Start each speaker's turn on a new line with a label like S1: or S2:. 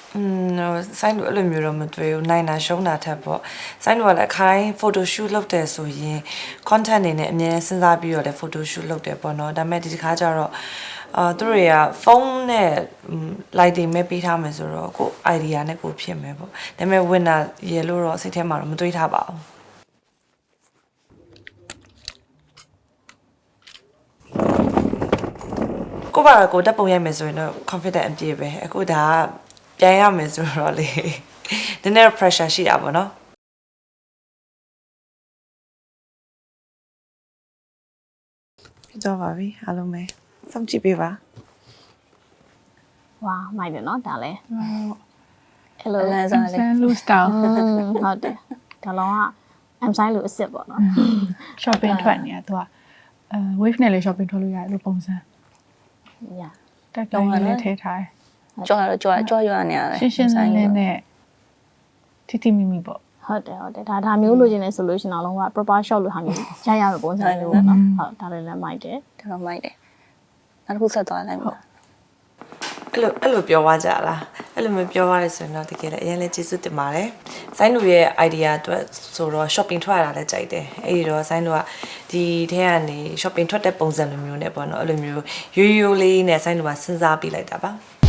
S1: ဆိုင်တို့အဲ့လိုမျိုးတော့မတွေ့ဘူးနိုင်တာရှုံးတာထက်ပေါ့ဆိုင်တို့ကလည်းခိုင်း photo shoot လုပ်တယ်ဆိုရင် content အနေနဲ့အများစဉ်းစားပြီးတော့လည်း photo shoot လုပ်တယ်ပေါ့နော်ဒါပေမဲ့ဒီတစ်ခါကျတော့သူတို့တွေကဖုန်းနဲ့ lighting ပဲပေးထားမယ်ဆိုတော့ကို idea နဲ့ကိုဖြစ်မယ်ပေါ့ဒါပေမဲ့ winner ရေလို့တော့စိတ်ထဲမှာတော့မတွေးထားပါဘူးကိုပါကိုတက်ပုံရိုက်မယ်ဆိုရင်တော့ confident အပြည့်ပဲအခုဒါကပြန်ရမယ်ဆိုတော့လေနည်းနည်း pressure ရှိတာပေါ့နော်ဖြစ်တော့ပါပြီအားလုံးပဲစောင့်ကြည့်ပေးပါ
S2: ဝါမိုက်တယ်နော်ဒါလည်းအဲ့လို
S3: လမ်းစားလေး
S4: ဆန်လူစတောင်း
S2: ဟုတ်တယ်ဒါလုံးက M size လို့အစ်စ်ပေါ့နော်
S4: shopping ထွက်နေတယ်သူကwave နဲ့လေ shopping ထွက်လို့ရတယ်လို့ပုံစံ
S2: ညာ
S4: တက်တောင်းလည်းထည့်ထားတယ်
S3: ကြွားတော့ကြွားရွာနေရတယ်
S4: ရှင်းရှင်းလင်းလင်းနဲ့တီတီမီမီပေါ့
S2: ဟုတ်တယ်ဒါမျိုးလိုချင်နေဆိုလို့ရှင်တော့လုံးဝ proper shot လို့ဟာမျိုးရရမယ်ပုံစံမျိုးပေါ့နော်ဟုတ်ဒါလည်းမိုက်တယ်
S3: ဒါတော့မိုက်တယ်နောက်တစ်ခုဆက်သွားလိုက်ပါ
S1: အဲ့လိုပြောသွားကြလားအဲ့လိုမျိုးပြောသွားတယ်ဆိုရင်တော့တကယ်လည်းအရင်လည်းကျေးဇူးတင်ပါတယ်ဆိုင်းတို့ရဲ့ idea အတွက်ဆိုတော့ shopping ထွက်ရတာလည်းကြိုက်တယ်အဲ့ဒီတော့ဆိုင်းတို့ကဒီထဲကနေ shopping ထွက်တဲ့ပုံစံလိုမျိုးနဲ့ပေါ့နော်အဲ့လိုမျိုးရိုးရိုးလေးနဲ့ဆိုင်းတို့ကစဉ်းစားပြလိုက်တာပါ